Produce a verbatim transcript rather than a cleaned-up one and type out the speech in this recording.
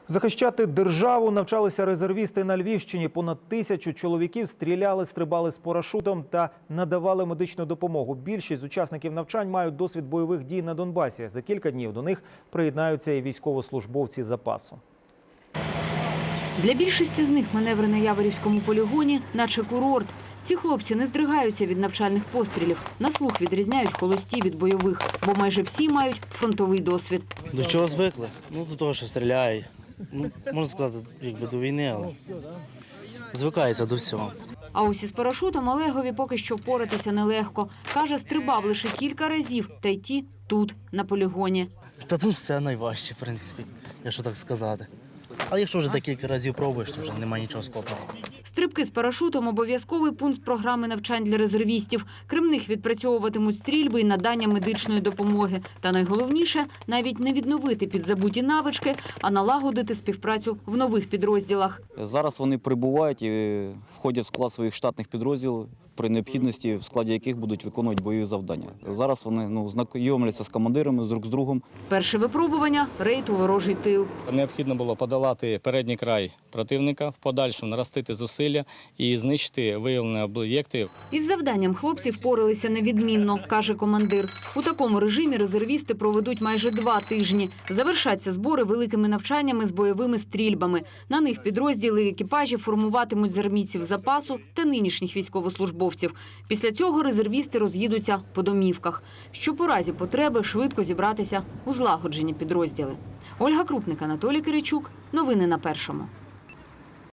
Захищати державу навчалися резервісти на Львівщині. Понад тисячу чоловіків стріляли, стрибали з парашутом та надавали медичну допомогу. Більшість з учасників навчань мають досвід бойових дій на Донбасі. За кілька днів до них приєднаються і військовослужбовці запасу. Для більшості з них маневри на Яворівському полігоні – наче курорт. Ці хлопці не здригаються від навчальних пострілів. На слух відрізняють холості від бойових, бо майже всі мають фронтовий досвід. До чого звикли? Ну, до того, що стріляє. Ну, можна сказати, якби до війни, але звикається до всього. А ось із парашутом Олегові поки що впоратися нелегко. Каже, стрибав лише кілька разів, та й ті тут, на полігоні. Та тут все найважче, в принципі, якщо так сказати. Але якщо вже декілька разів пробуєш, то вже немає нічого складного. Стрибки з парашутом – обов'язковий пункт програми навчань для резервістів. Крім них відпрацьовуватимуть стрільби і надання медичної допомоги. Та найголовніше – навіть не відновити підзабуті навички, а налагодити співпрацю в нових підрозділах. Зараз вони прибувають і входять в склад своїх штатних підрозділів, при необхідності, в складі яких будуть виконувати бойові завдання. Зараз вони ну, знайомляться з командирами, з друг з другом. Перше випробування – рейд у ворожий тил. Необхідно було подолати передній край противника, в подальшому наростити зусилля і знищити виявлені об'єкти. Із завданням хлопці впоралися невідмінно, каже командир. У такому режимі резервісти проведуть майже два тижні. Завершаться збори великими навчаннями з бойовими стрільбами. На них підрозділи і екіпажі формуватимуть з армійців запасу та нинішніх військовослужбовців. Після цього резервісти роз'їдуться по домівках, щоб у разі потреби швидко зібратися у злагоджені підрозділи. Ольга Крупник, Анатолій Киричук. Новини на Першому.